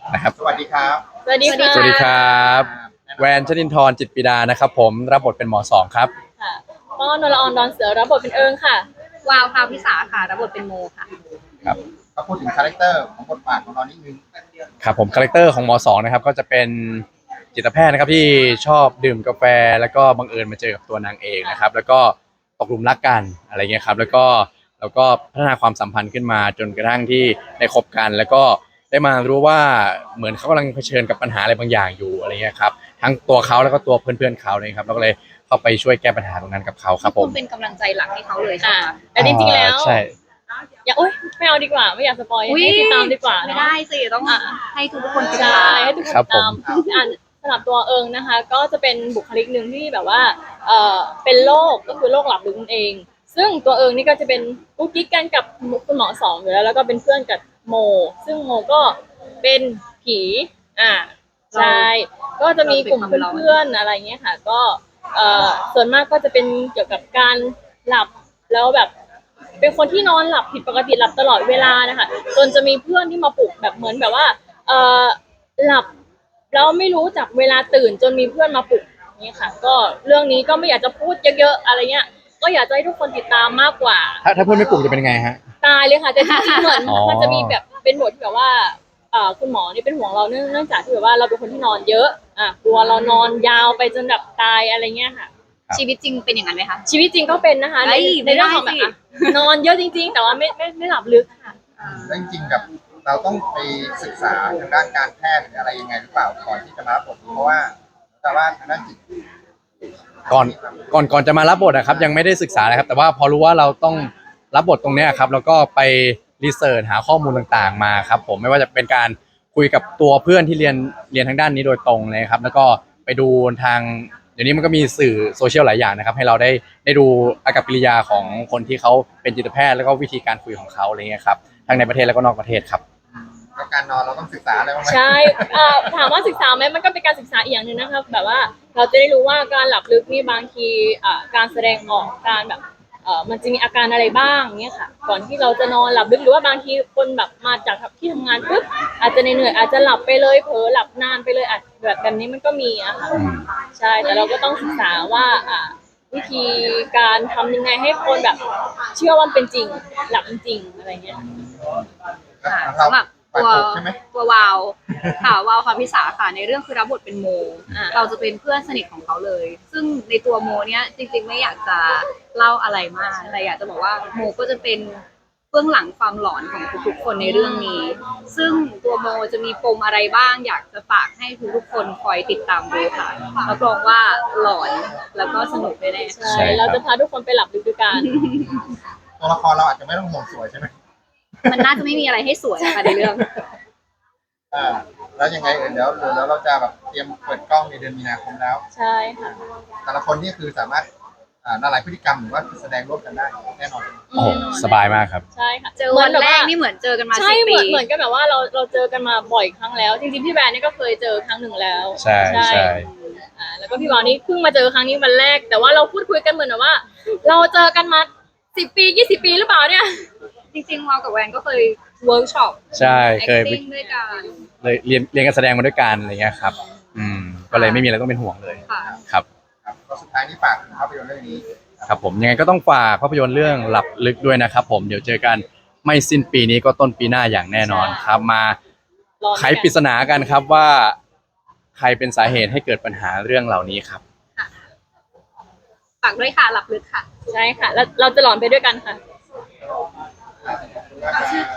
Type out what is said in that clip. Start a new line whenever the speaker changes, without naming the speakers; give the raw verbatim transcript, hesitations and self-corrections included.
นะครับ
สวัสดีครับ
สวัสดีค่ะ
สวัสดีครับแวนชนินทร์จิตรปิดานะครับผมรับบทเป็นหมอสองครับ
ค่ะก็นรออนดอนเสือรับบทเป็นเอิงค่ะ
วาวพาวิสาค่ะรับบทเป็นโมค่ะ
ครับ
ก็พูดถึงคาแรคเตอร์ของบทบาทของเรานิดนึง
ครับผมคาแรคเตอร์ของหมอสองนะครับก็จะเป็นจิตแพทย์นะครับที่ชอบดื่มกาแฟแล้วก็บังเอิญมาเจอกับตัวนางเอกนะครับแล้วก็ตกหลุมรักกันอะไรเงี้ยครับแล้วก็แล้วก็พัฒนาความสัมพันธ์ขึ้นมาจนกระทั่งที่ได้คบกันแล้วก็ได้มารู้ว่าเหมือนเขากำลังเผชิญกับปัญหาอะไรบางอย่างอยู่อะไรเงี้ยครับทั้งตัวเขาแล้วก็ตัวเพื่อนๆเขาเลยครับแล้วก็เลยเข้าไปช่วยแก้ปัญหาตรงนั้นกับเขาครับผ
คุ
ม
ณเป็นกำลังใจหลักให้เขาเลยใช่
อ่า
ไหมคะ
แต่จริงๆแล้ว
ใช่
อย่าโอ๊ยไม่เอาดีกว่าไม่อยากสปอยให้ติดตามดีกว่า
ไม่
เนาะ
ได้สิต้อง
อ่ะ
ให้ทุกคนติด
ใช่
ตาม
ให้ทุกคน
ครับ
ติดตาม
ผม
อ่านสำหรับตัวเอิงนะคะ ก็จะเป็นบุคลิกหนึ่งที่แบบว่าเอ่อเป็นโรคก็คือโรคหลับลึกนั่นเอง ซึ่งตัวเอิงนี่ก็จะเป็นกุ๊กกิ๊กกันกับคุณหมอสองอยู่แล้วแล้วก็เป็นเพื่อนกับโม ซึ่งโมก็เป็นผีอ่าใช่ก็จะมีกลุ่มเพื่อนๆอะไรเงี้ยค่ะ ก็เอ่อส่วนมากก็จะเป็นเกี่ยวกับการหลับแล้วแบบ เป็นคนที่นอนหลับผิดปกติหลับตลอดเวลานะคะจนจะมีเพื่อนที่มาปลุกแบบเหมือนแบบว่าเออหลับแล้วไม่รู้จักเวลาตื่นจนมีเพื่อนมาปลุกนี่ค่ะ ก็เรื่องนี้ก็ไม่อยากจะพูดเยอะๆอะไรเงี้ยก็อยากจะให้ทุกคนติดตามมากกว่า
ถ้าถ้าเพื่อนไม่ปลุกจะเป็นยังไงฮะ
ตายเลยค่ะแต่จริงๆเหมือน
อ๋อ
มันจะมีแบบเป็นบทที่แบบว่าเอ่อคุณหมอนี่เป็นห่วงเราเนื่องเนื่องจากที่แบบว่าเราเป็นคนที่นอนเยอะอ่ะกลัวเรานอนยาวไปจนแบบตายอะไรเงี้ยค่ะ
ชีวิตจริงเป็นอย่างนั้นไหมคะ
ชีวิตจริงก็เป็นนะคะใน
เฮ้ย
ในเรื่องของ
ไม่
แบบ
ได้สิ
อ่ะนอนเยอะจริง ๆ แต่ว่าไม่ไม่ไม่หลับลึกค่ะ
แล้วจริงๆกับเราต้องไปศึกษาทางด้านการแพทย์หรืออะไรยังไงหรือเปล่าก่อนที่จะมารับบทนี้เพราะว่าแต่ว่าทางด้านจิต
ก่อนก่อนก่อนจะมารับบทนะครับยังไม่ได้ศึกษาเลยครับแต่ว่าพอรู้ว่าเราต้องรับบทตรงเนี้ยครับแล้วก็ไปรีเสิร์ชหาข้อมูลต่างๆมาครับผมไม่ว่าจะเป็นการคุยกับตัวเพื่อนที่เรียนเรียนทางด้านนี้โดยตรงเลยครับแล้วก็ไปดูทางเดี๋ยวนี้มันก็มีสื่อโซเชียลหลายอย่างนะครับให้เราได้ได้ดูอากัปกิริยาของคนที่เขาเป็นจิตแพทย์แล้วก็วิธีการคุยของเขาอะไรเงี้ยครับทั้งในประเทศแล้วก็นอกประเทศครับ
แล้วการนอนเราต้องศึกษาอะไรบ้างไหม
ใช่อ่าถามว่าศึกษาไหมมันก็เป็นการศึกษาอีกอย่างหนึ่งนะครับแบบว่าเราจะได้รู้ว่าการหลับลึกนี่บางทีอ่าการแสดงออกการแบบเอ่อมันจะมีอาการอะไรบ้างเนี่ยค่ะ ก่อนที่เราจะนอนหลับลึกหรือว่าบางทีคนแบบมาจากที่ทำงานปุ๊บอาจจะเหนื่อยๆอาจจะหลับไปเลยเผลอหลับนานไปเลยอาจแบบแบบนี้มันก็มีอะค่ะใช่แต่เราก็ต้องศึกษาว่าอ่าวิธีการทำยังไงให้คนแบบเชื่อว่ามันเป็นจริงหลับจริงๆอะไรเงี้ย
ค่ะ
เรา
สำหรับ
ปาก
ตัว
ตกใช่ไหม
ตัววาวค่ะวาวพาวิสาค่ะในเรื่องคือรับบทเป็นโม
อ่า
เราจะเป็นเพื่อนสนิทของเขาเลย ซึ่งในตัวโมเนี้ยจริงๆไม่อยากจะเล่าอะไรมากแต่อยากจะบอกว่าโมก็จะเป็นเบื้องหลังความหลอนของทุกๆคนในเรื่องนี้ ซึ่งตัวโมจะมีปมอะไรบ้าง อยากจะฝากให้ทุกๆคนคอยติดตามดูค่ะรับรองว่าหลอนแล้วก็สนุกแน่ๆค่ะ
ใช่เราจะพาทุกคนไปหลับลึกด้วยกัน
ตัวละครเราอาจจะไม่ต้องห่วงสวยใช่ไหม
มันน่าจะไม่มีอะไรให้สวยค่ะในเรื่อง
อ่าแล้วยังไงเออเดี๋ยวเดี๋ยวเราจะแบบเตรียมเปิดกล้องในเดือนมีนาคมแล้ว
ใช่ค่ะ
แต่ละคนนี่คือสามารถอ่าละลายพฤติกรรมหรือว่าแสดงร่วมกันได้แน่นอน
โอ้โหสบายมากครับ
ใช่ค่ะ
เจอวันแรกนี่เหมือนเจอกันมา
ใช่
สิบ
เห
ปี
มือนเหมือนกันแบบว่าเราเราเจอกันมาบ่อยครั้งแล้ว จริงๆพี่แบรนด์นี่ก็เคยเจอครั้งหนึ่งแล้ว
ใช่ใช่
อ่าแล้วก็พี่บอลนี่เพิ่งมาเจอครั้งนี้วันแรก แต่ว่าเราพูดคุยกันเหมือนแบบว่า เราเจอกันมาสิบปียี่สิบปีหรือเปล่าเนี่ย
จริงๆวาวกับแวนก็เคยเวิร์กช็อป
ใช่เคยไป
acting ด้วยกัน
เลยเรียนเรียนการแสดงมาด้วยกันอะไรเงี้ยครับอืมก็เลยไม่มีอะไรต้องเป็นห่วงเลย
ค่ะ
ครับ
ครับก็สุดท้ายนี่ฝากถึงภาพยนตร์เรื่องนี้
ครับผมยังไงก็ต้องฝากภาพยนตร์เรื่องหลับลึกด้วยนะครับผมเดี๋ยวเจอกันไม่สิ้นปีนี้ก็ต้นปีหน้าอย่างแน่นอนครับมาร
อ
ไขปริศนากันครับว่า ใครเป็นสาเหตุให้เกิดปัญหาเรื่องเหล่านี้ครับ
ฝากด้วยค่ะหลับลึกค่ะ
ใช่ค่ะแล้วเราจะหลอนไปด้วยกันค่ะ
ชื่อ